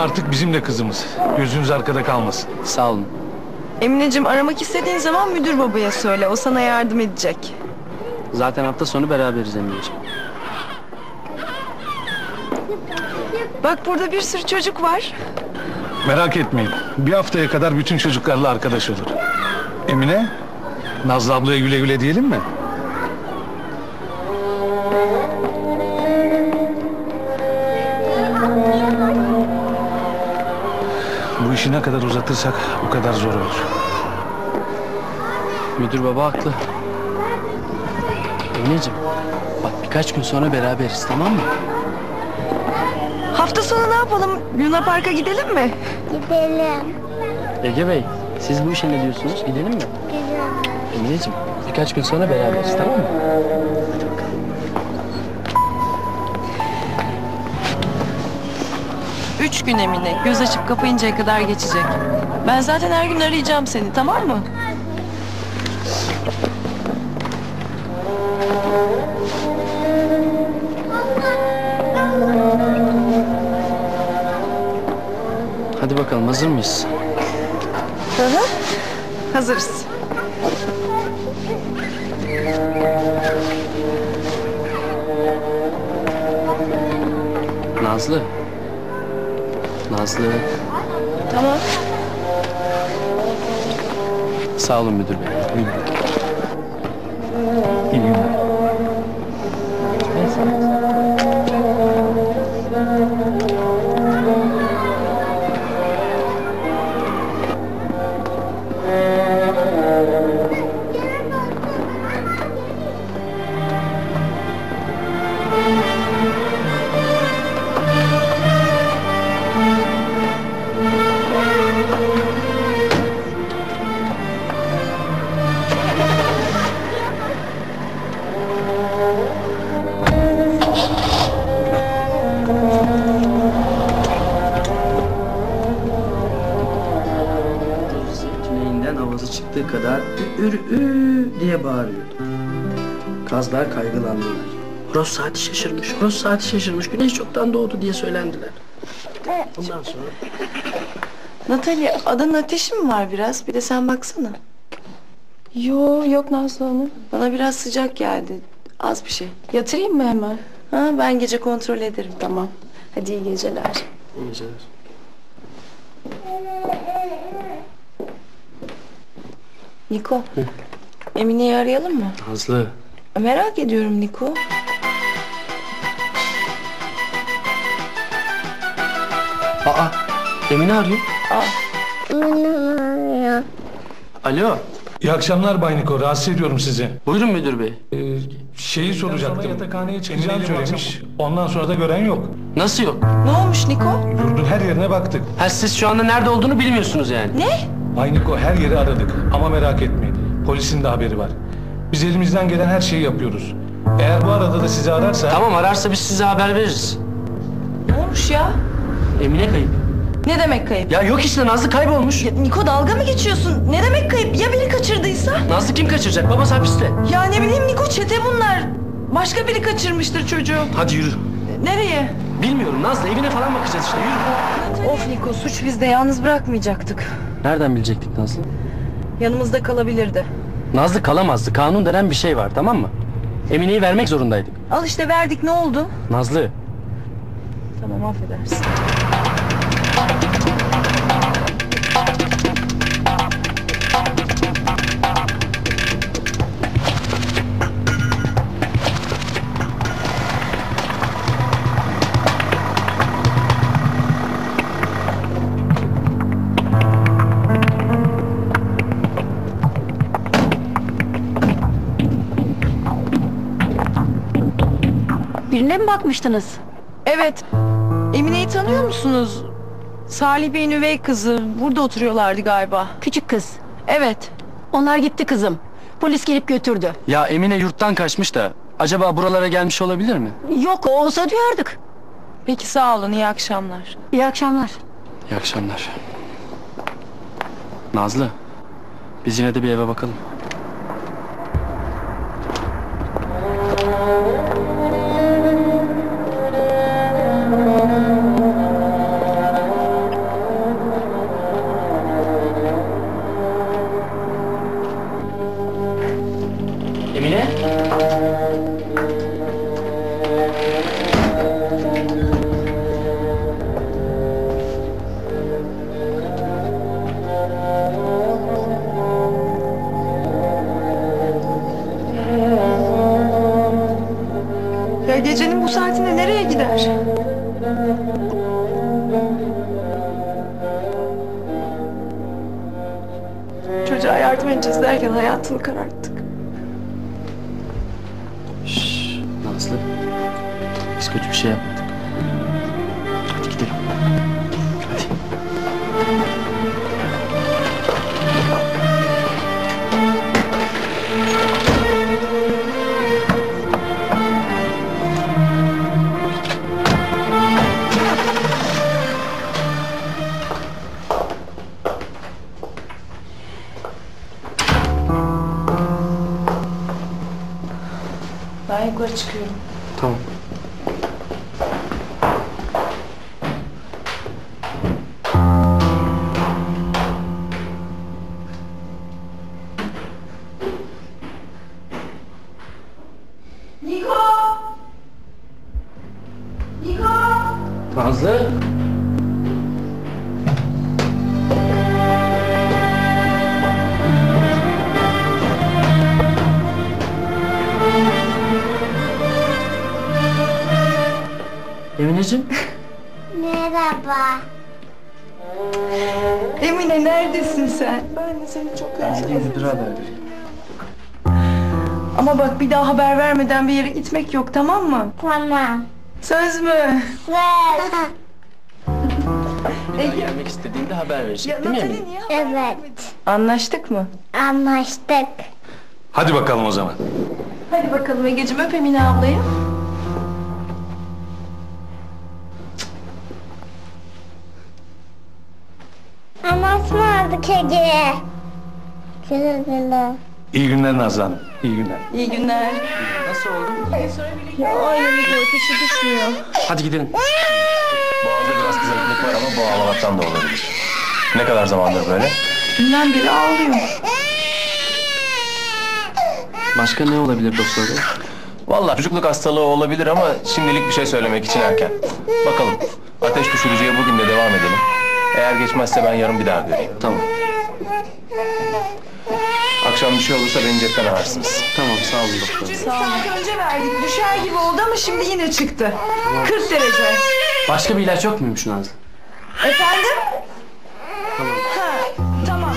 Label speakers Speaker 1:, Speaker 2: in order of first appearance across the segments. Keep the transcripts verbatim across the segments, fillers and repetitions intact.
Speaker 1: artık bizim de kızımız. Gözünüz arkada kalmasın.
Speaker 2: Sağ olun.
Speaker 3: Emineciğim, aramak istediğin zaman müdür babaya söyle. O sana yardım edecek.
Speaker 2: Zaten hafta sonu beraberiz Emineciğim.
Speaker 3: Bak, burada bir sürü çocuk var.
Speaker 1: Merak etmeyin. Bir haftaya kadar bütün çocuklarla arkadaş olur. Emine, Nazlı ablaya güle güle diyelim mi? Bu işi ne kadar uzatırsak o kadar zor olur.
Speaker 2: Müdür baba haklı. Emineciğim, bak birkaç gün sonra beraberiz, tamam mı?
Speaker 3: Hafta sonu ne yapalım? Luna Park'a gidelim mi?
Speaker 4: Gidelim.
Speaker 2: Ege Bey, siz bu işe ne diyorsunuz? Gidelim mi?
Speaker 4: Gidelim.
Speaker 2: Emineciğim, birkaç gün sonra beraberiz, tamam mı?
Speaker 3: Üç gün Emine. Göz açıp kapayıncaya kadar geçecek. Ben zaten her gün arayacağım seni, tamam mı?
Speaker 2: Hadi bakalım, hazır mıyız?
Speaker 3: Hı hı. Hazırız.
Speaker 2: Nazlı. Nazlı.
Speaker 3: Tamam.
Speaker 2: Sağ olun müdür bey. Buyurun.
Speaker 1: İyi günler.
Speaker 2: Tüneyinden avazı çıktığı kadar ür ür diye bağırıyordu. Kazlar kaygılandılar. Horoz saati şaşırmış, horoz saati şaşırmış, güneş çoktan doğdu diye söylendiler. Ondan sonra...
Speaker 3: Natalya, adın ateşi mi var biraz? Bir de sen baksana.
Speaker 5: Yo, yok Nazlı Hanım.
Speaker 3: Bana biraz sıcak geldi. Az bir şey.
Speaker 5: Yatırayım mı hemen?
Speaker 3: Ha, ben gece kontrol ederim.
Speaker 5: Tamam. Hadi iyi geceler.
Speaker 2: İyi geceler.
Speaker 3: Niko, Emine'yi arayalım mı?
Speaker 2: Nazlı.
Speaker 3: Merak ediyorum Niko.
Speaker 2: Aa, Emine arıyor.
Speaker 4: Ya.
Speaker 2: Alo.
Speaker 1: İyi akşamlar Bay Niko. Rahatsız ediyorum sizi.
Speaker 2: Buyurun müdür bey.
Speaker 1: Ee, şeyi soracaktım. Yatakhaneye çıkacağını söylemiş. Ondan sonra da gören yok.
Speaker 2: Nasıl yok?
Speaker 3: Ne olmuş Niko?
Speaker 1: Yurdun her yerine baktık.
Speaker 2: Ha, siz şu anda nerede olduğunu bilmiyorsunuz yani.
Speaker 3: Ne?
Speaker 1: Bay Niko, her yeri aradık. Ama merak etmeyin. Polisin de haberi var. Biz elimizden gelen her şeyi yapıyoruz. Eğer bu arada da sizi ararsa...
Speaker 2: Tamam, ararsa biz size haber veririz.
Speaker 3: Ne olmuş ya?
Speaker 2: Emine kayıp.
Speaker 3: Ne demek kayıp?
Speaker 2: Ya yok işte, Nazlı kaybolmuş.
Speaker 3: Ya Niko, dalga mı geçiyorsun? Ne demek kayıp? Ya biri kaçırdıysa?
Speaker 2: Nazlı kim kaçıracak? Babası hapiste.
Speaker 3: Ya ne bileyim Niko, çete bunlar. Başka biri kaçırmıştır çocuğu.
Speaker 2: Hadi yürü.
Speaker 3: Nereye?
Speaker 2: Bilmiyorum Nazlı, evine falan bakacağız işte, yürü.
Speaker 3: Of Niko, suç bizde, yalnız bırakmayacaktık.
Speaker 2: Nereden bilecektik Nazlı?
Speaker 3: Yanımızda kalabilirdi.
Speaker 2: Nazlı kalamazdı. Kanun denen bir şey var, tamam mı? Emine'yi vermek zorundaydık.
Speaker 3: Al işte, verdik, ne oldu?
Speaker 2: Nazlı.
Speaker 3: Tamam, affedersin.
Speaker 5: Birine mi bakmıştınız?
Speaker 3: Evet. Emine'yi tanıyor musunuz? Salih Bey'in üvey kızı. Burada oturuyorlardı galiba.
Speaker 5: Küçük kız.
Speaker 3: Evet.
Speaker 5: Onlar gitti kızım. Polis gelip götürdü.
Speaker 2: Ya Emine yurttan kaçmış da acaba buralara gelmiş olabilir mi?
Speaker 5: Yok, olsa duyardık.
Speaker 3: Peki, sağ olun, iyi akşamlar.
Speaker 5: İyi akşamlar.
Speaker 2: İyi akşamlar. Nazlı, biz yine de bir eve bakalım.
Speaker 3: Ya gecenin bu saatinde nereye gider? Çocuğa yardım edeceğiz derken hayatını kararttık.
Speaker 2: Şşş Nazlı. Biz kötü bir şey yapmadık. Hadi gidelim. Hadi.
Speaker 3: Ben yukarı çıkıyorum.
Speaker 2: Tamam.
Speaker 3: Niko! Niko!
Speaker 2: Nazlı. Emineciğim.
Speaker 4: Merhaba.
Speaker 3: Emine neredesin sen? Ben de seni çok
Speaker 2: Ben
Speaker 3: özledim.
Speaker 2: gideyim müdüre haber vereyim.
Speaker 3: Ama bak bir daha haber vermeden bir yere gitmek yok, tamam mı?
Speaker 4: Tamam.
Speaker 3: Söz mü?
Speaker 4: Söz.
Speaker 2: Bir daha gelmek istediğinde haber verecek değil mi Emine?
Speaker 3: niye haber
Speaker 4: Evet.
Speaker 3: vermedin? Anlaştık mı?
Speaker 4: Anlaştık.
Speaker 1: Hadi bakalım o zaman.
Speaker 3: Hadi bakalım Egeciğim, öp Emine ablayı.
Speaker 4: Anlaşmadık Ege. Güle güle.
Speaker 1: İyi günler Nazlı Hanım. İyi günler.
Speaker 3: İyi günler.
Speaker 2: Nasıl oldu?
Speaker 3: Aynen Ege, ateşi düşmüyor.
Speaker 2: Hadi gidelim.
Speaker 6: Boğazda biraz kızarıklık var ama bu ağlamaktan da olabilir. Ne kadar zamandır böyle?
Speaker 3: Dünden beri ağlıyor.
Speaker 2: Başka ne olabilir doktor bey?
Speaker 6: Vallahi çocukluk hastalığı olabilir ama şimdilik bir şey söylemek için erken. Bakalım. Ateş düşürücüye bugün de devam edelim. Eğer geçmezse ben yarın bir daha göreyim.
Speaker 2: Tamam.
Speaker 6: Akşam bir şey olursa beni cepten ararsınız.
Speaker 2: Tamam sağ olun doktor.
Speaker 3: Bir saat önce verdik, düşer gibi oldu ama şimdi yine çıktı. kırk derece.
Speaker 2: Başka bir ilaç yok muymuş Nazlı?
Speaker 3: Efendim? Tamam. Ha, tamam.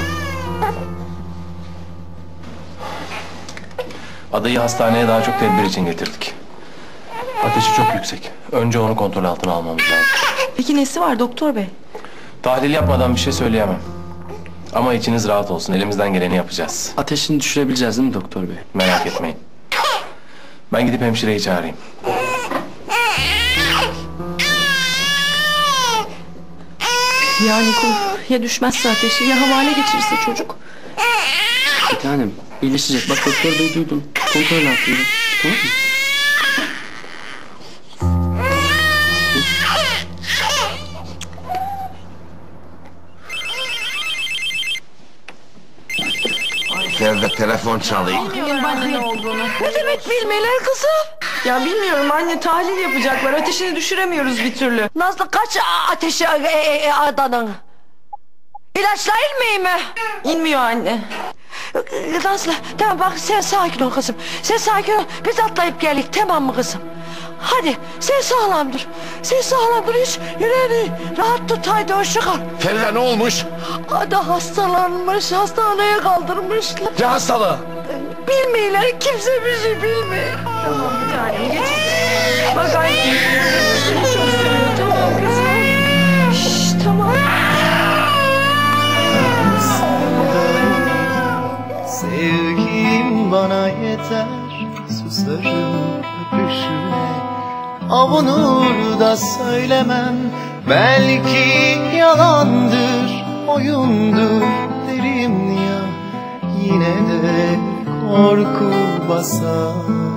Speaker 6: Adayı hastaneye daha çok tedbir için getirdik. Ateşi çok yüksek. Önce onu kontrol altına almamız lazım.
Speaker 3: Peki nesi var doktor bey?
Speaker 6: Tahlil yapmadan bir şey söyleyemem. Ama içiniz rahat olsun. Elimizden geleni yapacağız.
Speaker 2: Ateşini düşürebileceğiz değil mi doktor bey?
Speaker 6: Merak etmeyin. Ben gidip hemşireyi çağırayım.
Speaker 3: Ya Niko, ya düşmezse ateşi ya havale geçirirse çocuk.
Speaker 2: Bir tanem iyileşecek. Bak doktor bey duydum. Kontrol altında. Tamam mı?
Speaker 7: Nerede telefon çalıyor?
Speaker 3: Ne demek bilmeler kızım? Ya bilmiyorum anne, tahlil yapacaklar. Ateşini düşüremiyoruz bir türlü.
Speaker 8: Nazlı kaç ateşi e, e, e, adanın? İlaçla inmiyor mi?
Speaker 3: İnmiyor anne.
Speaker 8: E, Nazlı tamam bak sen sakin ol kızım. Sen sakin ol. Biz atlayıp geldik tamam mı kızım? Hadi sen sağlam dur. Sen sağlam dur hiç yüreğini rahat tut haydi hoşça kal.
Speaker 7: Feride ne olmuş?
Speaker 8: Ada hastalanmış hastaneye kaldırmışlar.
Speaker 7: Ne hastalığı?
Speaker 8: Bilmiyorlar kimse bir şey bilmiyor.
Speaker 3: Tamam bir tanem geç. Bak anne. Seni çok seviyorum, tamam kızım. Şşş tamam.
Speaker 9: Sevgin bana yeter, susarım öpüşüne. Avunur da söylemem, belki yalandır, oyundur derim ya. Yine de korku basar.